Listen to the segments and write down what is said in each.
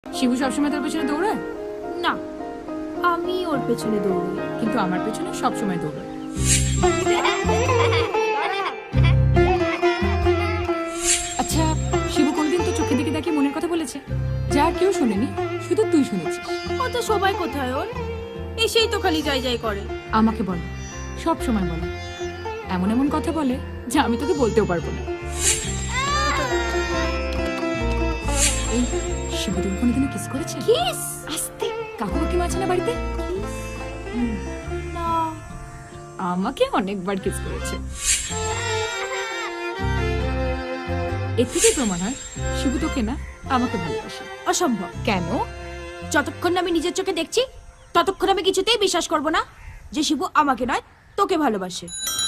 শিবু সবসময় তোর পেছনে দৌড়ায়? না, আমি ওর পেছনে দৌড়ই। কিন্তু আমার পেছনে সবসময় দৌড়ায়। আচ্ছা, শিবু কোনদিন তো চোখের দিকে তাকিয়ে মনের কথা বলেছে? যা কেউ শুনেনি, শুধু তুই শুনেছিস। ও তো সবাই কোথায় ওর, এসেই তো খালি যাই যাই করে। আমাকে বলে, সব সময় বলে, এমন এমন কথা বলে যা আমি তোকে বলতেও পারবো না। এই শিবু তুমি কোনোদিনও কিস করেছে? কিস? আস্তে, কাকু কাকিমা আছে না বাড়িতে? না। আমাকে অনেকবার কিস করেছে। এর থেকেই প্রমাণ হয় শিবু তোকে না, আমাকে ভালোবাসে। অসম্ভব। কেন? যতক্ষণ না আমি নিজের চোখে দেখছি ততক্ষণ আমি কিছুতেই বিশ্বাস করব না যে শিবু আমাকে নয় তোকে ভালোবাসে।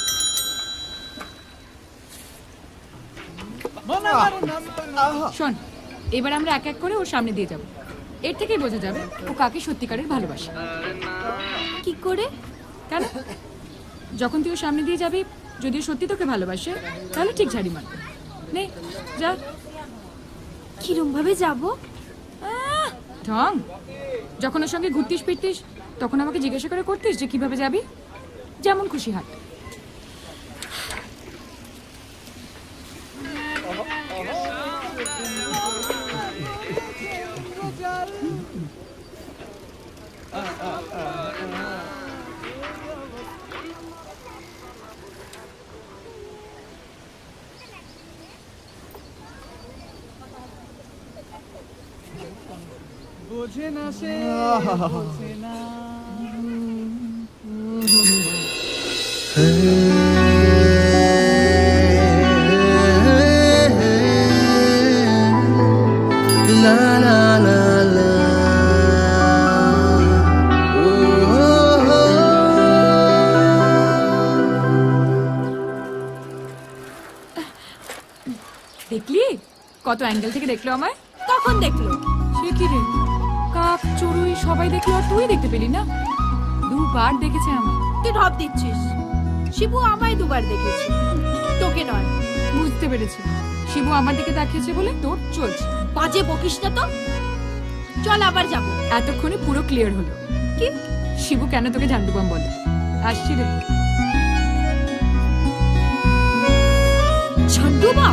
শোন, এবার আমরা এক এক করে ওর সামনে দিয়ে যাব। এর থেকেই বোঝা যাবে ও কাকে সত্যিকারের ভালোবাসে। কি করে? কেন? যখন তুই ওর সামনে দিয়ে যাবি, যদি ও সত্যি তোকে ভালোবাসে তাহলে ঠিক ঝাড়ি মারবে। নে যা। কিরম ভাবে যাবো? ঢং। যখন ওর সঙ্গে ঘুরতিস ফিরতিস তখন আমাকে জিজ্ঞাসা করে করতিস যে কিভাবে যাবি। যেমন খুশি হাঁট। বোঝে না সে, বোঝে না। La la la la. দেখলি কত অ্যাঙ্গেল থেকে দেখলো আমায়? কখন দেখলো? সে কি রে, কাক চড়ুই সবাই দেখলো আর তুই দেখতে পেলি না? দুবার দেখেছে আমায়। তুই ঢপ দিচ্ছিস। শিবু আমায় দুবার দেখেছে, তোকে নয়। বুঝতে পেরেছি, শিবু আমার দিকে তাকিয়েছে বলে তোর চলছে। বাজে বকিস না তো। চল আবার যাবো। এতক্ষণে পুরো ক্লিয়ার হলো কি? শিবু কেন তোকে ঝান্ডুবাম বলে। আসছি রে। ঝন্ডুবা?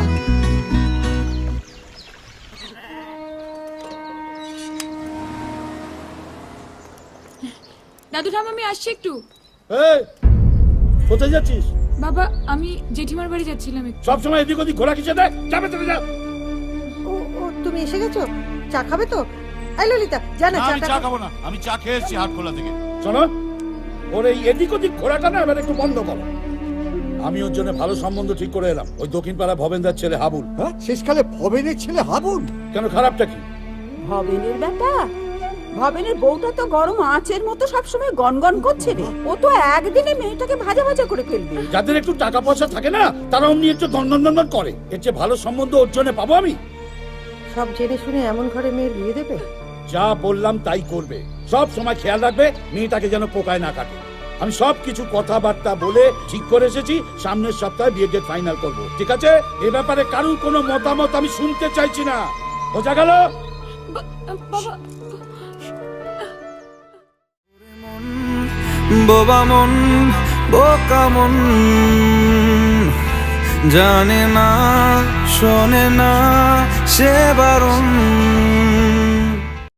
দাদু ঠাম আমি আসছি একটু। এই, কোথায় যাচ্ছিস? বাবা আমি জেঠিমার বাড়ি যাচ্ছিলাম একটু। সবসময় এদিক ওদিক ঘোরা কিসে দেয়? যাবে তুমি যাও। ও ও তুমি এসে গেছো? চা খাবে তো? এই ললিতা যা না, না, আমি চা চাটা খাবো না, আমি চা খেয়ে এসেছি হাটখোলা থেকে। শোনো, ওর এই এদিক ওদিক ঘোরাটা না এবার একটু বন্ধ করো। আমি ওর জন্য ভালো সম্বন্ধ ঠিক করে এলাম, ওই দক্ষিণ পাড়া ভবেন্দার ছেলে হাবুল। হ্যাঁ, শেষকালে ভবেনের ছেলে হাবুল। কেন, খারাপটা কি? ভবেনের বেটা, ভবেনের বউটা তো গরম আঁচের মতো সবসময় গনগন করছে রে। ও তো একদিনে মেয়েটাকে ভাজা ভাজা করে ফেলবে। যাদের একটু টাকা পয়সা থাকে না তারা অমনি একটু দন্দন করে। এর চেয়ে ভালো সম্বন্ধ ওর জন্য পাবো আমি? সব জেনে শুনে এমন ঘরে মেয়ের বিয়ে দেবে? যা বললাম তাই করবে। সব সময় খেয়াল রাখবে মেয়েটাকে যেন পোকায় না কাটে। আমি সব কিছু কথাবার্তা বলে ঠিক করে এসেছি, সামনের সপ্তাহে বিয়ে ডেট ফাইনাল করবো, ঠিক আছে? এ ব্যাপারে কারুর কোনো মতামত আমি শুনতে চাইছি না, বোঝা গেল? বাবা বোবা মন, বোকা মন, জানে না শোনে না সে বারণ।